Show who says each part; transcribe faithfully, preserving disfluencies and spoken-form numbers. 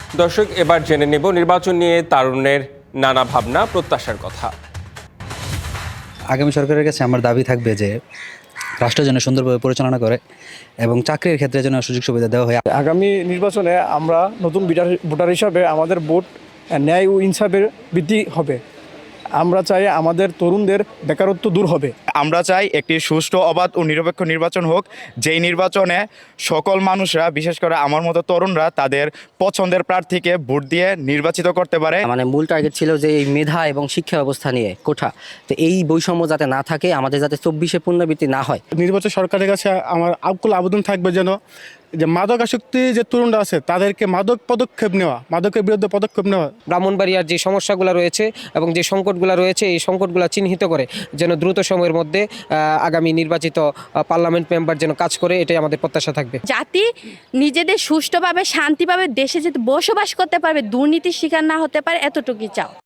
Speaker 1: দর্শক, এবার জেনে নেব নির্বাচন নিয়ে তারুণ্যের নানা ভাবনা প্রত্যাশার কথা।
Speaker 2: আগামী সরকারের কাছে আমার দাবি থাকবে যে রাষ্ট্র যেন সুন্দরভাবে পরিচালনা করে এবং চাকরির ক্ষেত্রে যেন সুযোগ সুবিধা দেওয়া হয়।
Speaker 3: আগামী নির্বাচনে আমরা নতুন ভোটার হিসাবে আমাদের ভোট ন্যায় ও ইনসাফের বৃদ্ধি হবে। আমরা চাই আমাদের তরুণদের বেকারত্ব দূর হবে।
Speaker 4: আমরা চাই একটি সুষ্ঠু, অবাধ ও নিরপেক্ষ নির্বাচন হোক, যেই নির্বাচনে সকল মানুষরা, বিশেষ করে আমার মতো তরুণরা, তাদের পছন্দের প্রার্থীকে ভোট দিয়ে নির্বাচিত করতে পারে।
Speaker 5: মানে মূল টার্গেট ছিল যে এই মেধা এবং শিক্ষা ব্যবস্থা নিয়ে কোঠা, তো এই বৈষম্য যাতে না থাকে, আমাদের যাতে চব্বিশে পুনরাবৃত্তি না হয়।
Speaker 6: নির্বাচন সরকারের কাছে আমার আকুল আবেদন থাকবে যেন যে মাদকাসক্তি যে তরুণরা আছে তাদেরকে মাদক পদক্ষেপ নেওয়া, মাদকের বিরুদ্ধে পদক্ষেপ নেওয়া।
Speaker 7: ব্রাহ্মণবাড়িয়ার যে সমস্যাগুলো রয়েছে এবং যে সংকটগুলো রয়েছে, এই সংকটগুলো চিহ্নিত করে যেন দ্রুত সময়ের মধ্যে আগামী নির্বাচিত পার্লামেন্ট মেম্বার যেন কাজ করে, এটাই আমাদের প্রত্যাশা থাকবে।
Speaker 8: জাতি নিজেদের সুষ্ঠুভাবে, শান্তিভাবে দেশে যেতে বসবাস করতে পারবে, দুর্নীতির শিকার না হতে পারে, এতটুকুই চাও।